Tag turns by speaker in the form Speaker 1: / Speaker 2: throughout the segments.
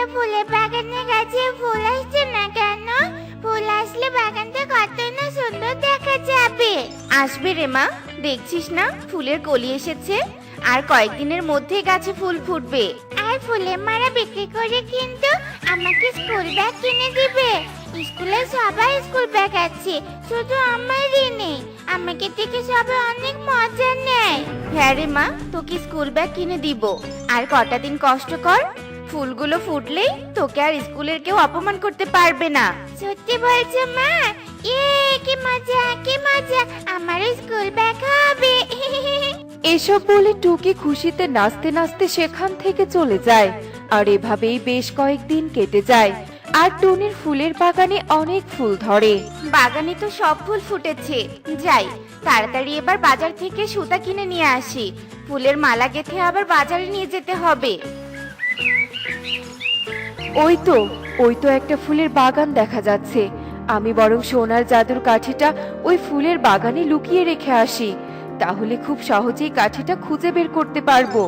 Speaker 1: ফুলের বাগানে গাছে ফুল আসছে না কেন? ফুল আসলে বাগানটা কত না সুন্দর দেখা যাবে।
Speaker 2: আসবে রে মা, দেখছিস না ফুলের কলি এসেছে, আর কয়েকদিনের মধ্যে গাছে ফুল ফুটবে।
Speaker 1: আর ফুলের মালা বিক্রি করে কিন্তু আমাকে স্কুল ব্যাগ কিনে দিবে। স্কুলে সবাই স্কুল ব্যাগ আছে, শুধু আমারই নেই। আমাকে দেখে সবাই অনেক মজা নেয়।
Speaker 2: হ্যাঁ রে মা, তোকে স্কুল ব্যাগ কিনে দিব। আর কটা দিন কষ্ট কর, ফুলগুলো ফুটলেই তোকে আর স্কুলের কেউ অপমান করতে পারবে না।
Speaker 1: সত্যি বলছো মা? কি মজা কি মজা, আমারও স্কুল ব্যাগ হবে।
Speaker 3: এসব বলে টুকি খুশিতে নাচতে নাচতে সেখান থেকে চলে যায়। আর এভাবেই বেশ কয়েকদিন কেটে যায়। আর টুনির ফুলের বাগানে অনেক ফুল ধরে।
Speaker 2: বাগানে তো সব ফুল ফুটেছে, যাই তাড়াতাড়ি এবার বাজার থেকে সুতা কিনে নিয়ে আসি। ফুলের মালা গেঁথে আবার বাজারে নিয়ে যেতে হবে।
Speaker 3: ওই তো একটা ফুলের বাগান দেখা যাচ্ছে। আমি বরং সোনার জাদুর কাঠিটা ওই ফুলের বাগানে লুকিয়ে রেখে আসি, তাহলে খুব সহজেই কাঠিটা খুঁজে বের করতে পারবো।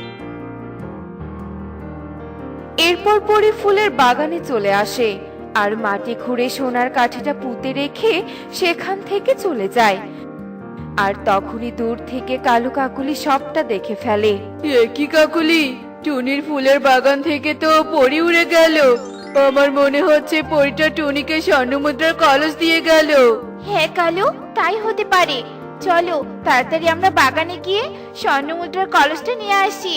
Speaker 3: এরপর পরে ফুলের বাগানে চলে আসে আর মাটি খুঁড়ে সোনার কাঠিটা পুঁতে রেখে সেখান থেকে চলে যায়। আর তখনই দূর থেকে কালু কাকুলি সবটা দেখে ফেলে।
Speaker 4: কি কাকুলি, টুনির ফুলের বাগান থেকে তো পরি উড়ে গেল। আমার মনে হচ্ছে পরিটা টুনিকে স্বর্ণমুদ্রার কলস দিয়ে গেল।
Speaker 2: হ্যাঁ কালু, তাই হতে পারে। চলো তাড়াতাড়ি আমরা বাগানে গিয়ে স্বর্ণমুদ্রার কলসটা নিয়ে আসি।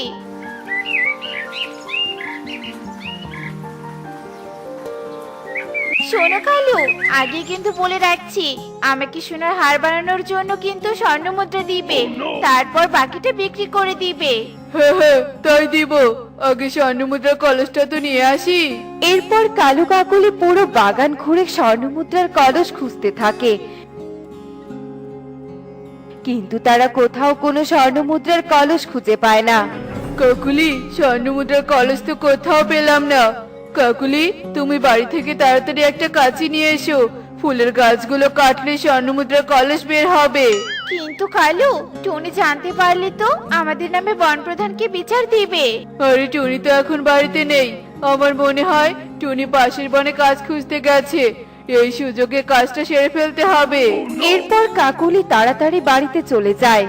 Speaker 2: শোনো কালু, আগে কিন্তু বলে রাখছি, আমাকে সোনার হার বানানোর জন্য কিন্তু স্বর্ণমুদ্রা দিবে, তারপর বাকিটা বিক্রি করে দিবে।
Speaker 4: হ্যাঁ হ্যাঁ, তাই দিব। আগে স্বর্ণমুদ্রার কলসটা তো নিয়ে আসি।
Speaker 3: এরপর কালু কাকুলি পুরো বাগান ঘুরে স্বর্ণমুদ্রার কলস খুঁজতে থাকে, কিন্তু তারা কোথাও কোনো স্বর্ণমুদ্রার কলস খুঁজে পায় না।
Speaker 4: কাকুলি, স্বর্ণমুদ্রার কলস তো কোথাও পেলাম না। কাকুলি, তুমি বাড়ি থেকে তাড়াতাড়ি একটা কাঁচি নিয়ে এসো। ফুলের গাছগুলো কাটলে স্বর্ণমুদ্রার কলস বের হবে।
Speaker 2: কিন্তু কালু, টুনি জানতে পারলে তো আমাদের নামে বন প্রধানকে বিচার দিবে।
Speaker 4: আরে টুনি তো এখন বাড়িতে নেই। আমার মনে হয় টুনি পাশের বনে কাজ খুঁজতে গেছে। এই সুযোগে কাজটা সেরে ফেলতে হবে।
Speaker 3: এরপর কাকুলি তাড়াতাড়ি বাড়িতে চলে যায়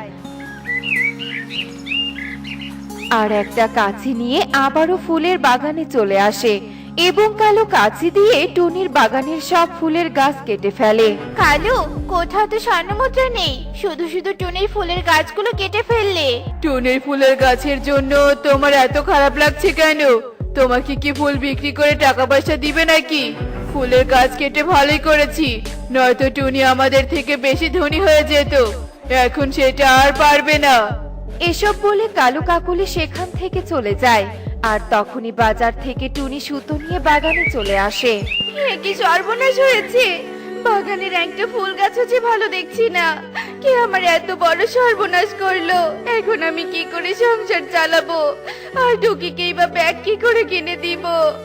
Speaker 3: আর একটা কাঁচি নিয়ে আবারও ফুলের বাগানে চলে আসে এবং কালো কাঁচি দিয়ে টুনির বাগানের সব ফুলের গাছ কেটে ফেলে।
Speaker 2: কালু, কোথাও তো স্বর্ণমুদ্রা নেই, শুধু শুধু টুনির ফুলের গাছগুলো কেটে ফেললে।
Speaker 4: টুনির ফুলের গাছের জন্য তোমার এত খারাপ লাগছে কেন? তোমাকে কি ফুল বিক্রি করে টাকা পয়সা দিবে নাকি? ফুলের গাছ কেটে ভালোই করেছি, নয়তো টুনি আমাদের থেকে বেশি ধনী হয়ে যেত। এখন সেটা আর পারবে না।
Speaker 3: এসব বলে কালু কাকুলি সেখান থেকে চলে যায় আর তখনই বাজার থেকে টুনি সুতো নিয়ে বাগানে চলে আসে।
Speaker 2: কি সর্বনাশ হয়েছে, বাগানের একটা ফুল গাছও যে ভালো দেখছি না। কে আমার এত বড় সর্বনাশ করলো? এখন আমি কি করে সংসার চালাবো? আর টুকিকেই বা ব্যাগ কি করে কিনে দিব?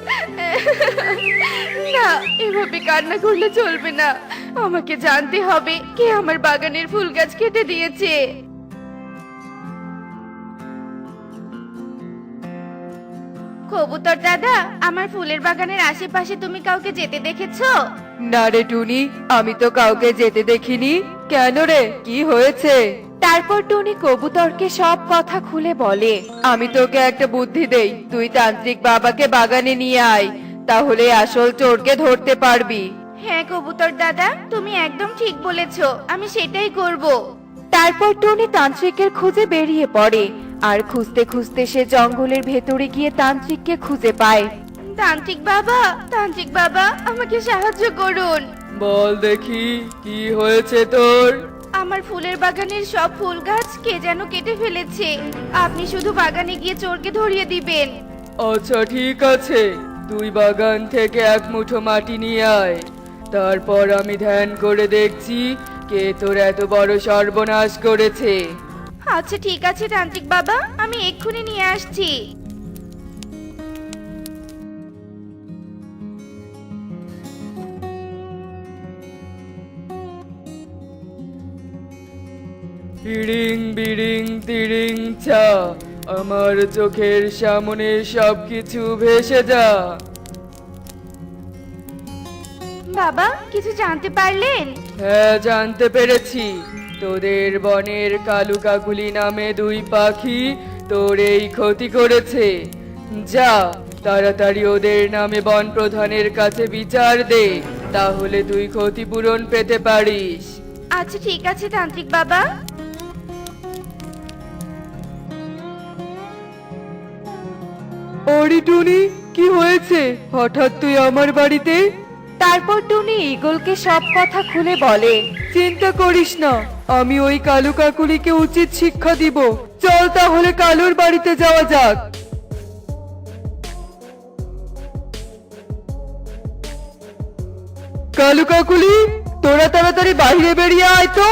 Speaker 2: না, এভাবে কান্না করলে চলবে না। আমাকে জানতে হবে কে আমার বাগানের ফুল গাছ কেটে দিয়েছে। কবুতর দাদা, আমার ফুলের বাগানের আশেপাশে তুমি কাউকে যেতে দেখেছো?
Speaker 4: না রে টুনি, আমি তো কাউকে যেতে দেখিনি। কেন রে, কি হয়েছে?
Speaker 3: তারপর টুনি কবুতরকে সব কথা খুলে বলে।
Speaker 4: আমি তোকে একটা বুদ্ধি দেই, তুই তান্ত্রিক বাবাকে বাগানে নিয়ে আয়, তাহলে আসল চোরকে ধরতে পারবি।
Speaker 2: হ্যাঁ কবুতর দাদা, তুমি একদম ঠিক বলেছো, আমি সেটাই করব।
Speaker 3: তারপর টুনি তান্ত্রিকের খুঁজে বেরিয়ে পড়ে আর খুঁজতে খুঁজতে সে জঙ্গলের ভেতরে গিয়ে তান্ত্রিককে খুঁজে পায়।
Speaker 2: তান্ত্রিক বাবা, আমাকে সাহায্য করুন।
Speaker 4: বল দেখি, কি হয়েছে তোর?
Speaker 2: আমার ফুলের বাগানের সব ফুল গাছ কে যেন কেটে ফেলেছে। আপনি শুধু বাগানে গিয়ে চোরকে ধরিয়ে দিবেন।
Speaker 4: আচ্ছা ঠিক আছে, তুই বাগান থেকে এক মুঠো মাটি নিয়ে আয়। তারপর আমি ধ্যান করে দেখছি কে তোর এত বড় সর্বনাশ করেছে।
Speaker 2: আচ্ছা ঠিক আছে তান্ত্রিক বাবা, আমি এক্ষুনি নিয়ে আসছি।
Speaker 4: ইড়িং বিড়িং তিড়িং ছা,
Speaker 5: আমার চোখের সামনে সবকিছু ভেসে যা।
Speaker 2: বাবা কিছু জানতে পারলেন?
Speaker 5: হ্যাঁ, জানতে পেরেছি। তোদের বনের কালু কাকুলি নামে দুই পাখি তোর এই ক্ষতি করেছে। যা, তাড়াতাড়ি ওদের নামে বন প্রধানের কাছে বিচার দে, তাহলে তুই ক্ষতিপূরণ পেতে পারিস।
Speaker 2: আচ্ছা ঠিক আছে তান্ত্রিক বাবা।
Speaker 5: আরে টুনি, কি হয়েছে? হঠাৎ তুই আমার বাড়িতে?
Speaker 3: তারপর টুনি ঈগলকে সব কথা খুলে বলে।
Speaker 5: চিন্তা করিস না, আমি ওই কালু কাকুলিকে উচিত শিক্ষা দিব। চল তাহলে কালুর বাড়িতে যাওয়া যাক। কালু কাকুলি, তোরা তাড়াতাড়ি বাইরে বেরিয়ে আয় তো।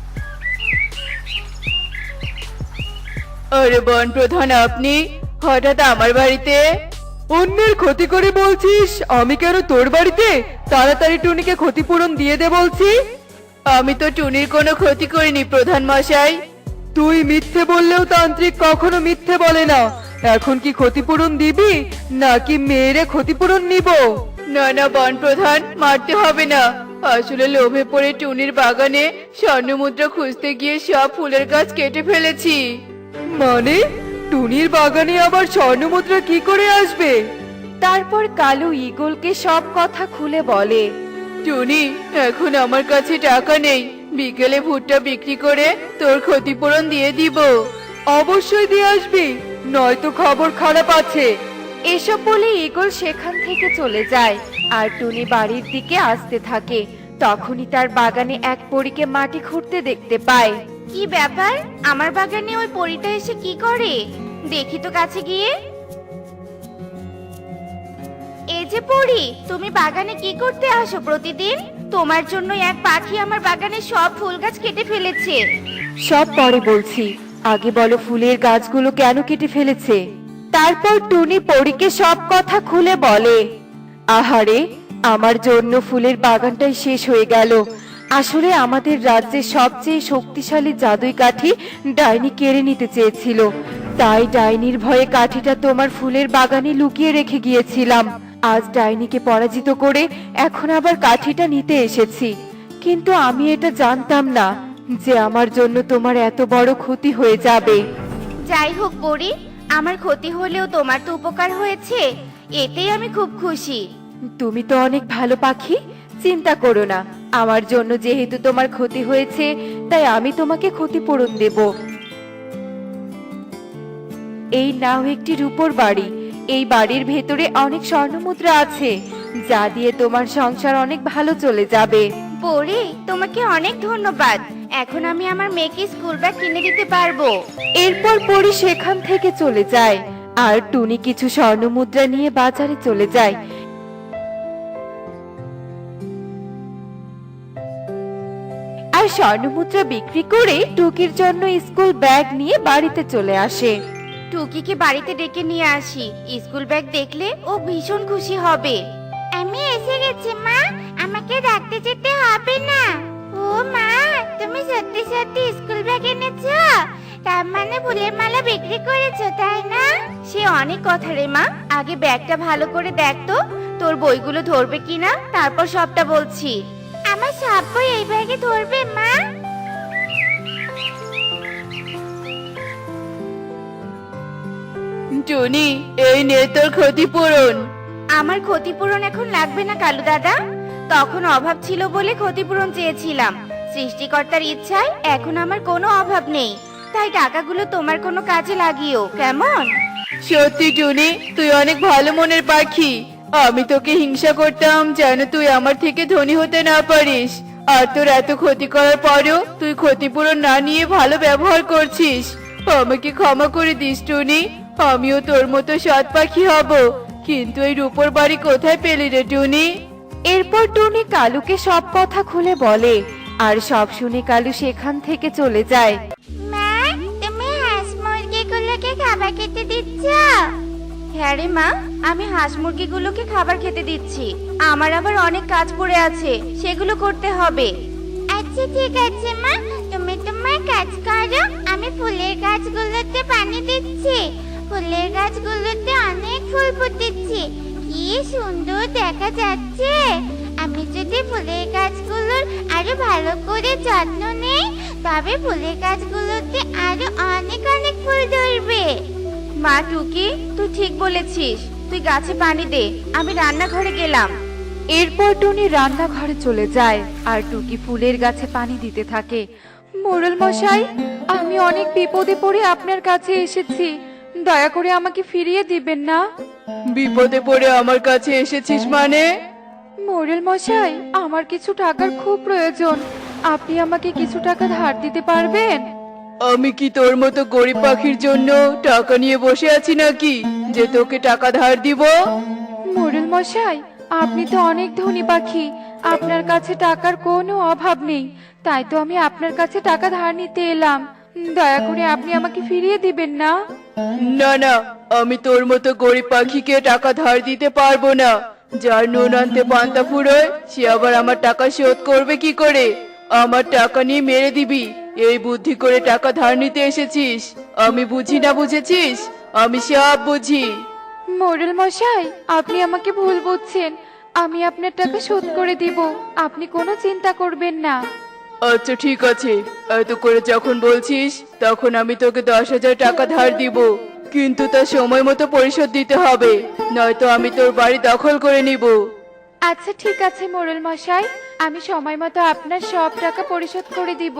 Speaker 4: আরে বন প্রধান, আপনি হঠাৎ আমার বাড়িতে?
Speaker 5: অন্যের ক্ষতি করে বলছিস আমি কেন তোর বাড়িতে? তাড়াতাড়ি টুনিকে ক্ষতিপূরণ দিয়ে দে বলছি।
Speaker 4: আমি তো টুনির কোনো ক্ষতি করিনি প্রধান মশাই।
Speaker 5: তুই মিথ্যে বললেও তান্ত্রিক কখনো মিথ্যে বলে না। এখন কি ক্ষতিপূরণ দিবি নাকি মেয়েরে ক্ষতিপূরণ নিব?
Speaker 4: না না বন প্রধান, মারতে হবে না। আসলে লোভে পড়ে টুনির বাগানে স্বর্ণমুদ্রা খুঁজতে গিয়ে সব ফুলের গাছ কেটে ফেলেছি।
Speaker 5: মানে টুনির বাগানে আবার স্বর্ণমুদ্রা কি করে আসবে?
Speaker 3: তারপর কালু ঈগলকে সব কথা খুলে বলে।
Speaker 4: টুনি, এখন আমার কাছে টাকা নেই। বিকেলে ভুট্টা বিক্রি করে তোর ক্ষতিপূরণ দিয়ে দিব।
Speaker 5: অবশ্যই দিয়ে আসবি, নয়তো খবর খারাপ আছে।
Speaker 3: এসব বলে ঈগল সেখান থেকে চলে যায় আর টুনি বাড়ির দিকে আসতে থাকে। তখনই তার বাগানে এক পরীকে মাটি খুঁড়তে দেখতে পায়।
Speaker 2: কি ব্যাপার, আমার বাগানে ওই পরীটা এসে কি করে? দেখি তো কাছে গিয়ে। এই যে পরী, তুমি বাগানে কি করতে আসো প্রতিদিন? তোমার জন্য এক পাখি আমার বাগানে সব ফুল গাছ কেটে ফেলেছে।
Speaker 3: সব পরে বলছি, আগে বলো ফুলের গাছগুলো কেন কেটে ফেলেছে? তারপর টুনি পরীকে সব কথা খুলে বলে। আহারে, আমার জন্য ফুলের বাগানটাই শেষ হয়ে গেল। আসলে আমাদের রাজ্যের সবচেয়ে শক্তিশালী জাদুই কাঠি ডাইনি কেড়ে নিতে চেয়েছিল, তাই ডাইনির ভয়ে কাঠিটা তোমার ফুলের বাগানে লুকিয়ে রেখে গিয়েছিলাম। আজ ডাইনিকে পরাজিত করে এখন আবার কাঠিটা নিতে এসেছি, কিন্তু আমি এটা জানতাম না যে আমার জন্য তোমার এত বড় ক্ষতি হয়ে যাবে।
Speaker 2: যাই হোক পরী, আমার ক্ষতি হলেও তোমার তো উপকার হয়েছে, এতেই আমি খুব খুশি।
Speaker 3: তুমি তো অনেক ভালো পাখি, চিন্তা করো না। আমার জন্য যেহেতু তোমার ক্ষতি হয়েছে, তাই আমি তোমাকে ক্ষতিপূরণ দেব। এই নাও একটি রূপোর বাড়ি। এই বাড়ির ভেতরে অনেক স্বর্ণমুদ্রা আছে, যা দিয়ে তোমার সংসার অনেক ভালো চলে যাবে।
Speaker 2: পরী, তোমাকে অনেক ধন্যবাদ। এখন আমি আমার মেয়েকে স্কুল ব্যাগ কিনে দিতে পারবো।
Speaker 3: এরপর পরি সেখান থেকে চলে যায় আর টুনি কিছু স্বর্ণমুদ্রা নিয়ে বাজারে চলে যায়। আর স্বর্ণমুদ্রা বিক্রি করে টুকির জন্য স্কুল ব্যাগ নিয়ে বাড়িতে চলে আসে।
Speaker 2: টুকিকে বাড়িতে ডেকে নিয়ে আসি, স্কুল ব্যাগ দেখলে ও ভীষণ খুশি হবে।
Speaker 1: আমি এসে গেছি মা, আমাকে ডাকতে যেতে হবে না। ও মা, তুমি সত্যি সত্যি স্কুল ব্যাগ এনেছো? তার মানে ফুলের মালা বিক্রি করেছো, তাই না?
Speaker 2: সে অনেক কথা রে মা, আগে ব্যাগটা ভালো করে দেখ তো তোর বইগুলো ধরবে কিনা, তারপর সবটা বলছি।
Speaker 1: আমার সব বই এই ব্যাগে ধরবে মা?
Speaker 4: টুনি, এই নে তোর ক্ষতিপূরণ।
Speaker 2: আমার ক্ষতিপূরণ এখন লাগবে না কালু দাদা, তখন অভাব ছিল বলে ক্ষতিপূরণ চেয়েছিলাম। সৃষ্টিকর্তার ইচ্ছায় এখন আমার কোনো অভাব নেই, তাই টাকাগুলো তোমার কোনো কাজে লাগিও, কেমন?
Speaker 4: সত্যি টুনি, তুই অনেক ভালো মনের পাখি। আমি তোকে হিংসা করতাম যেন তুই আমার থেকে ধনী হতে না পারিস, আর তোর এত ক্ষতি করার পরেও তুই ক্ষতিপূরণ না নিয়ে ভালো ব্যবহার করছিস। আমাকে ক্ষমা করে দিস টুনি, আমিও তোর মতো সৎ পাখি হব। কিন্তু এই রূপোর বাড়ি কোথায় পেলি রে টুনি?
Speaker 3: এরপর টুনি কালুকে সব কথা খুলে বলে আর সব শুনে কালু সেখান থেকে চলে যায়।
Speaker 1: মা, তুমি হাঁস মুরগিগুলোকে খাবার খেতে দিচ্ছ?
Speaker 2: হ্যাঁ রে মা, আমি হাঁস মুরগিগুলোকে খাবার খেতে দিচ্ছি। আমার আবার অনেক কাজ পড়ে আছে, সেগুলো করতে হবে।
Speaker 1: আচ্ছা ঠিক আছে মা, তুমি তোমার কাজ করো, আমি ফুলের গাছ গাছগুলোতে পানি দিচ্ছি। ফুলের গাছগুলোতে অনেক ফুল ফুটেছে, কি সুন্দর দেখা যাচ্ছে। আমি যদি ফুলের গাছগুলোর আরো ভালো করে যত্ন নেই, তবে ফুলের গাছগুলোতে আরো অনেক অনেক ফুল ধরবে।
Speaker 2: মা টুকি, তুই ঠিক বলেছিস, তুই গাছে পানি দে, আমি রান্নাঘরে গেলাম।
Speaker 3: এরপর টুনি রান্নাঘরে চলে যায় আর টুকি ফুলের গাছে পানি দিতে থাকে। মোড়ল মশাই, আমি অনেক বিপদে পড়ে আপনার কাছে এসেছি, দয়া করে আমাকে ফিরিয়ে দিবেন না।
Speaker 5: বিপদে পড়ে আমার কাছে এসেছিস মানে?
Speaker 3: মোড়ল মশাই, আমার কিছু টাকার খুব প্রয়োজন, আপনি আমাকে কিছু টাকা ধার দিতে পারবেন?
Speaker 5: আমি কি তোর মতো গরিব পাখির জন্য টাকা নিয়ে বসে আছি নাকি যে তোকে টাকা ধার দিব?
Speaker 3: মোড়ল মশাই, আপনি তো অনেক ধনী পাখি, আপনার কাছে টাকার কোনো অভাব নেই, তাই তো আমি আপনার কাছে টাকা ধার নিতে এলাম। দয়া করে আপনি আমাকে ফিরিয়ে দিবেন না।
Speaker 5: না না, আমি তোর মতো গরিব পাখিকে টাকা ধার দিতে পারবো না। যার নুন আনতে পান্তা ফুরোয়, সে আবার আমার টাকা শোধ করবে কি করে? আমার টাকা নিয়ে মেরে দিবি, এই বুদ্ধি করে টাকা ধার নিতে এসেছিস? আমি বুঝি না, বুঝেছিস? আমি সব বুঝি।
Speaker 3: মোড়ল মশাই, আপনি আমাকে ভুল বুঝছেন, আমি আপনার টাকা শোধ করে দিব, আপনি কোনো চিন্তা করবেন না।
Speaker 5: আচ্ছা ঠিক আছে, এত করে যখন বলছিস, তখন আমি তোকে 10,000 টাকা ধার দিব, কিন্তু তা সময় মতো পরিশোধ দিতে হবে, নয়তো আমি তোর বাড়ি দখল করে নিব।
Speaker 3: আচ্ছা ঠিক আছে মোড়ল মশাই, আমি সময় মতো আপনার সব টাকা পরিশোধ করে দিব।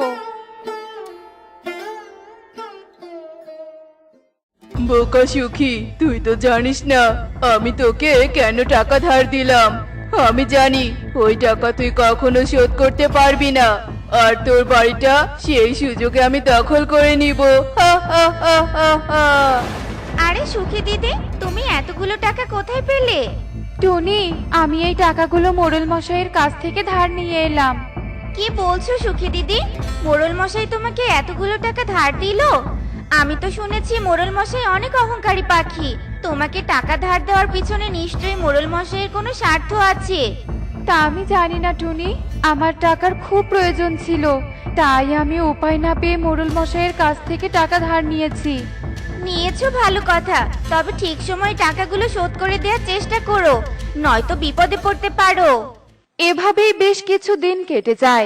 Speaker 5: বোকা সুখী, তুই তো জানিস না আমি তোকে কেন টাকা ধার দিলাম। আমি জানি ওই টাকা তুই কখনো শোধ করতে পারবি না, আর তোর বাড়িটা সেই সুযোগে আমি দখল করে নিব। হা হা হা হা হা।
Speaker 2: আরে সুখী দিদি, তুমি এতগুলো টাকা কোথায় পেলে?
Speaker 3: টুনি, আমি এই টাকাগুলো মোড়ল মশাইয়ের কাছ থেকে ধার নিয়ে এলাম।
Speaker 2: কি বলছো সুখী দিদি, মোড়ল মশাই তোমাকে এতগুলো টাকা ধার দিল? আমি তো শুনেছি মোড়ল মশাই অনেক অহংকারী পাখি, তোমাকে টাকা ধার দেওয়ার পিছনে নিশ্চয়ই মোড়ল মশাইয়ের কোনো স্বার্থ আছে।
Speaker 3: তা আমি জানি না টুনি, আমার টাকার খুব প্রয়োজন ছিল, তাই আমি উপায় না পেয়ে মোড়ল মশাইয়ের কাছ থেকে টাকা ধার নিয়েছি।
Speaker 2: নিয়েছো ভালো কথা, তবে ঠিক সময় টাকাগুলো শোধ করে দেওয়ার চেষ্টা করো, নয়তো বিপদে পড়তে পারো।
Speaker 3: এভাবেই বেশ কিছু দিন কেটে যায়।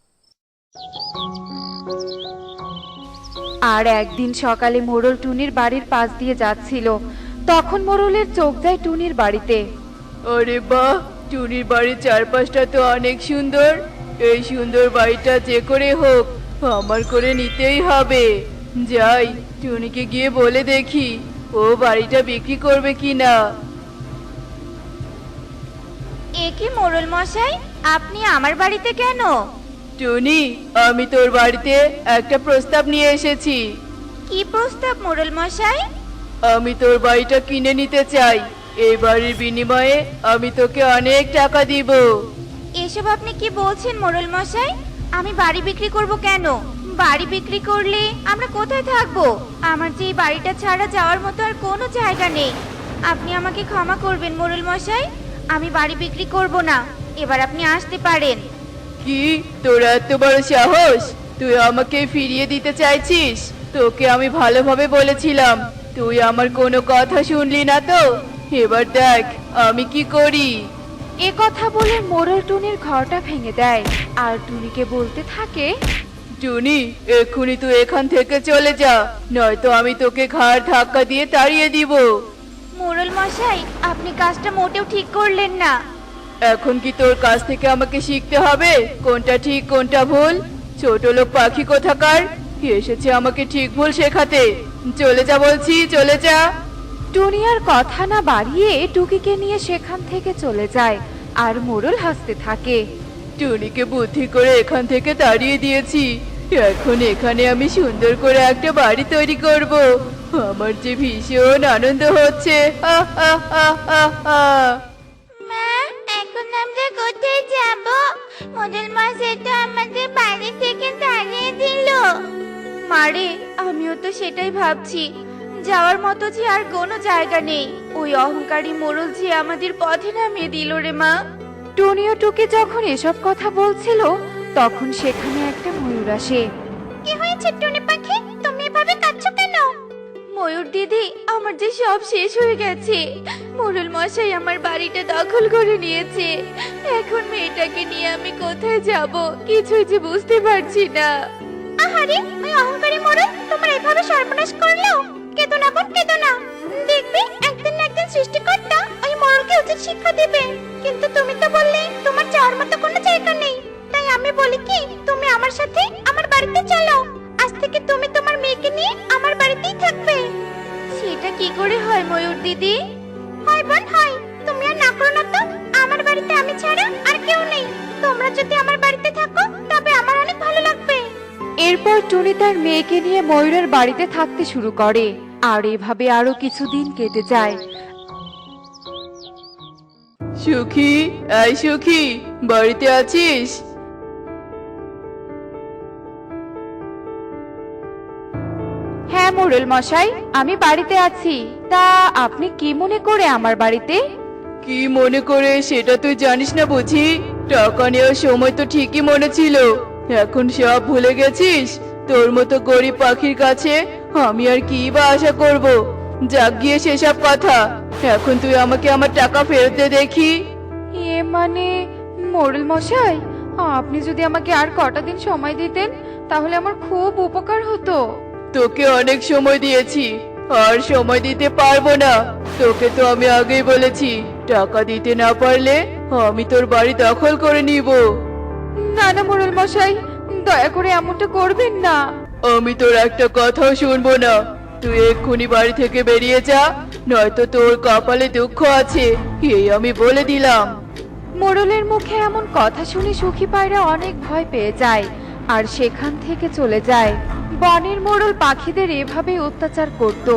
Speaker 3: আর একদিন সকালে মোড়ল টুনির বাড়ির পাশ দিয়ে যাচ্ছিল, তখন মোড়লের চোখ যায় টুনির বাড়িতে।
Speaker 5: আরে বাহ, টুনির বাড়ির চারপাশটা তো অনেক সুন্দর। এই সুন্দর বাড়িটা যে করে হোক আমার করে নিতেই হবে। যাই, টুনিকে গিয়ে বলে দেখি ও বাড়িটা বিক্রি করবে কিনা।
Speaker 2: এ কি মোড়ল মশাই, আপনি আমার বাড়িতে কেন?
Speaker 5: টুনি, আমি তোর বাড়িতে একটা প্রস্তাব নিয়ে এসেছি।
Speaker 2: কি প্রস্তাব মোড়ল মশাই?
Speaker 5: আমি তোর বাড়িটা কিনে নিতে চাই, এই বাড়ির বিনিময়ে আমি তোকে অনেক টাকা দিব।
Speaker 2: এসব আপনি কি বলছেন মোড়ল মশাই? আমি বাড়ি বিক্রি করব কেন? বাড়ি বিক্রি করলে আমরা কোথায় থাকবো? আমার যে এই বাড়িটা ছাড়া যাওয়ার মতো আর কোনো জায়গা নেই। আপনি আমাকে ক্ষমা করবেন মোড়ল মশাই, আমি বাড়ি বিক্রি করব না, এবার আপনি আসতে পারেন।
Speaker 5: কি, তোর এত বড় সাহস? তুই আমাকে ফিরিয়ে দিতে চাইছিস? তোকে আমি ভালোভাবে বলেছিলাম, তুই আমার কোনো কথা শুনলি না তো। এবার দেখ আমি কি করি।
Speaker 3: এ কথা বলে মোড়ল টুনির ঘরটা ভেঙে দেয় আর টুনিকে বলতে থাকে,
Speaker 5: টুনি, এক্ষুনি তুই এখান থেকে চলে যা, নয়তো আমি তোকে ঘাড় ধাক্কা দিয়ে তাড়িয়ে দিব।
Speaker 2: মোড়ল মশাই, আপনি কাজটা মোটেও ঠিক করলেন না।
Speaker 5: এখন কি তোর কাছ থেকে আমাকে শিখতে হবে কোনটা ঠিক কোনটা ভুল? ছোট লোক পাখি কোথাকার, এসেছে আমাকে ঠিক ভুল শেখাতে। চলে যা বলছি, চলে যা।
Speaker 3: টুনি আর কথা না বাড়িয়ে টুকিকে নিয়ে সেখান থেকে চলে যায় আর মোড়ল হাসতে থাকে।
Speaker 5: টুনিকে বুদ্ধি করে এখান থেকে তাড়িয়ে দিয়েছি, এখন এখানে আমি সুন্দর করে একটা বাড়ি তৈরি করব। আমার যে ভীষণ আনন্দ হচ্ছে। হা হা হা হা হা।
Speaker 1: মা, এখন আমরা কোথায় যাব? মোড়ল মশাই তো আমাদের বাড়ি থেকে তাড়িয়ে দিল।
Speaker 2: মারে, আমিও তো সেটাই ভাবছি, যাওয়ার মতো যে আর কোনো জায়গা নেই। ওই অহংকারী মোড়ল যে আমাদের পথে নামিয়ে দিল রে মা।
Speaker 3: টুনি ও টুকি যখন এসব কথা বলছিল, তখন সেখানে একটা ময়ূর আসে।
Speaker 1: কি হয়েছে টুনি পাখি, তুমি এভাবে এভাবে কাঁদছো কেন?
Speaker 2: ময়ূর দিদি, আমার যে সব শেষ হয়ে গেছে। মোড়ল মশাই আমার বাড়িটা দখল করে নিয়েছে। এখন মেয়েটাকে নিয়ে আমি কোথায় যাব কিছুই যে বুঝতে পারছি না।
Speaker 1: আহারে, ওই অহংকারী মোড়ল তোমার এভাবে সর্বনাশ করলো। কেঁদো না বোন, কেঁদো না। দেখবে একদিন না একদিন সৃষ্টিকর্তা ওই মোড়লকে উচিত শিক্ষা দেবে। কিন্তু তুমি তো বললে তোমার যাওয়ার মতো কোনো জায়গা নেই। তাই আমি বলি কি, তুমি আমার সাথে আমার বাড়িতে চলো। আজ থেকে তুমি তোমার মেয়েকে নিয়ে আমার বাড়িতেই থাকবে।
Speaker 2: সেটা কি করে হয় ময়ূর দিদি?
Speaker 1: হয় বোন হয়, তুমি আর না করো না তো। আমার বাড়িতে আমি ছাড়া আর কেউ নেই। তোমরা যদি আমার বাড়িতে থাকো তবে আমার অনেক ভালো লাগবে।
Speaker 3: এরপর টুনি তার মেয়েকে নিয়ে ময়ূরের বাড়িতে থাকতে শুরু করে। আর এভাবে আরো কিছুদিন কেটে যায়।
Speaker 4: সুখী, এই সুখী, বাড়িতে আছিস?
Speaker 3: হ্যাঁ মোড়ল মশাই, আমি বাড়িতে আছি। তা আপনি কি মনে করে আমার বাড়িতে?
Speaker 4: কি মনে করে সেটা তুই জানিস না বুঝি? টাকা নেওয়ার সময় তো ঠিকই মনে ছিল, এখন সব ভুলে গেছিস? তোর মতো গরিব পাখির কাছে আমি আর কি বা আশা করব? যাক গিয়ে সেসব কথা, এখন তুই আমাকে আমার টাকা ফেরত দে দেখি।
Speaker 3: এ মানে মোড়ল মশাই, আপনি যদি আমাকে আর কটা দিন সময় দিতেন তাহলে আমার খুব উপকার হতো।
Speaker 4: তোকে অনেক সময় দিয়েছি, আর সময় দিতে পারবো না। তোকে তো আমি আগেই বলেছি, টাকা দিতে না পারলে আমি তোর বাড়ি দখল করে নিব।
Speaker 3: না না মোড়ল মশাই, দয়া করে এমনটা করবেন না।
Speaker 4: আমি তোর একটা কথাও শুনবো না। তুই এক্ষুনি বাড়ি থেকে বেরিয়ে যা, নয়তো তোর কপালে দুঃখ আছে, এই আমি বলে দিলাম।
Speaker 3: মোড়লের মুখে এমন কথা শুনে সুখী পায়রা অনেক ভয় পেয়ে যায় আর সেখান থেকে চলে যায়। বনের মোড়ল পাখিদের এভাবে অত্যাচার করত।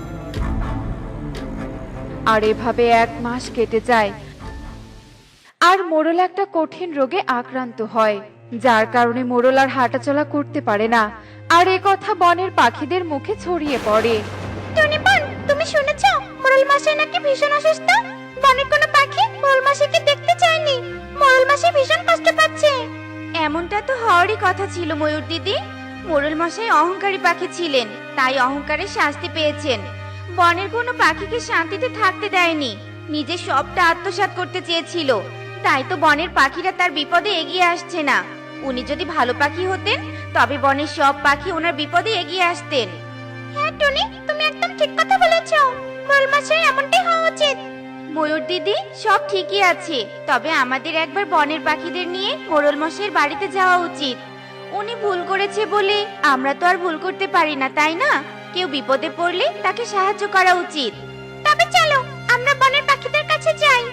Speaker 3: আর এভাবে 1 মাস কেটে যায়। আর মোড়ল একটা কঠিন রোগে আক্রান্ত হয়, যার কারণে মোড়ল আর হাঁটাচলা করতে পারে না। আর এ কথা বনের পাখিদের মুখে ছড়িয়ে পড়ে।
Speaker 1: টনি বোন, তুমি শুনেছো মোড়ল মশাই নাকি ভীষণ অসুস্থ? বনের কোনো পাখি মোড়ল মশাইকে দেখতে চায়নি। মোড়ল মশাই ভীষণ কষ্ট পাচ্ছে।
Speaker 2: এমনটা তো হওয়ারই কথা ছিল ময়ূর দিদি। মোড়ল মশাই অহংকারী পাখি ছিলেন, তাই অহংকারের শাস্তি পেয়েছেন। বনের কোনো পাখিকে শান্তিতে থাকতে দেয়নি, নিজে সবটা আত্মসাৎ করতে চেয়েছিল। তাই তো বনের পাখিরা তার বিপদে এগিয়ে আসছে না। উনি যদি ভালো পাখি হতেন তবে বনের সব পাখি ওনার বিপদে এগিয়ে আসতেন।
Speaker 1: হ্যাঁ টনি, তুমি একদম ঠিক কথা বলেছো। মোড়ল মশাই এমনটাই হওয়া উচিত।
Speaker 2: ময়ূর দিদি, সব ঠিকই আছে, তবে আমাদের একবার বনের পাখিদের নিয়ে মোড়ল মশাইয়ের বাড়িতে যাওয়া উচিত। উনি ভুল করেছে বলে আমরা তো আর ভুল করতে পারি না, তাই না? কেউ বিপদে পড়লে তাকে সাহায্য করা উচিত।
Speaker 1: তবে চলো আমরা বনের পাখিদের কাছে যাই।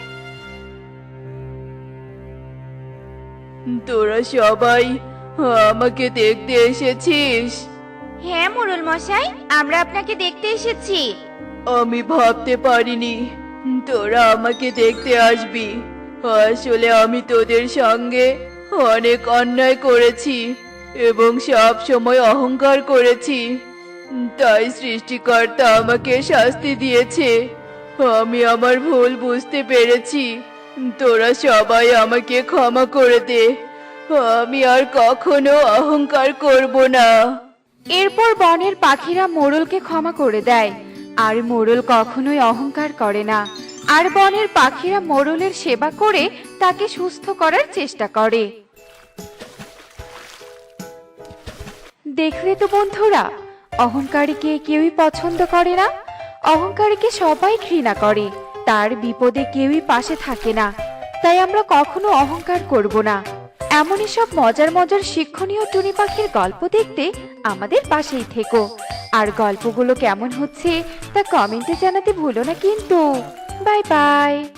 Speaker 4: তোরা সবাই আমাকে দেখতে এসেছিস?
Speaker 2: হ্যাঁ মোড়ল মশাই, আমরা আপনাকে দেখতে এসেছি।
Speaker 4: আমি ভাবতে পারিনি তোরা আমাকে দেখতে আসবি। আসলে আমি তোদের সঙ্গে অনেক অন্যায় করেছি এবং সব সময় অহংকার করেছি, তাই সৃষ্টিকর্তা আমাকে শাস্তি দিয়েছে। আমি আমার ভুল বুঝতে পেরেছি, তোরা সবাই আমাকে ক্ষমা করে দে। আমি আর কখনো অহংকার করব না।
Speaker 3: এরপর বনের পাখিরা মোড়লকে ক্ষমা করে দেয়। আর মোড়ল কখনোই অহংকার করে না। আর বনের পাখিরা মোড়লের সেবা করে তাকে সুস্থ করার চেষ্টা করে। দেখলে তো বন্ধুরা, অহংকারীকে কেউই পছন্দ করে না। অহংকারীকে সবাই ঘৃণা করে, তার বিপদে কেউই পাশে থাকে না। তাই আমরা কখনো অহংকার করব না। এমনই সব মজার মজার শিক্ষণীয় টুনি পাখির গল্প দেখতে আমাদের পাশেই থেকো। আর গল্পগুলো কেমন হচ্ছে তা কমেন্টে জানাতে ভুলো না কিন্তু। Bye by.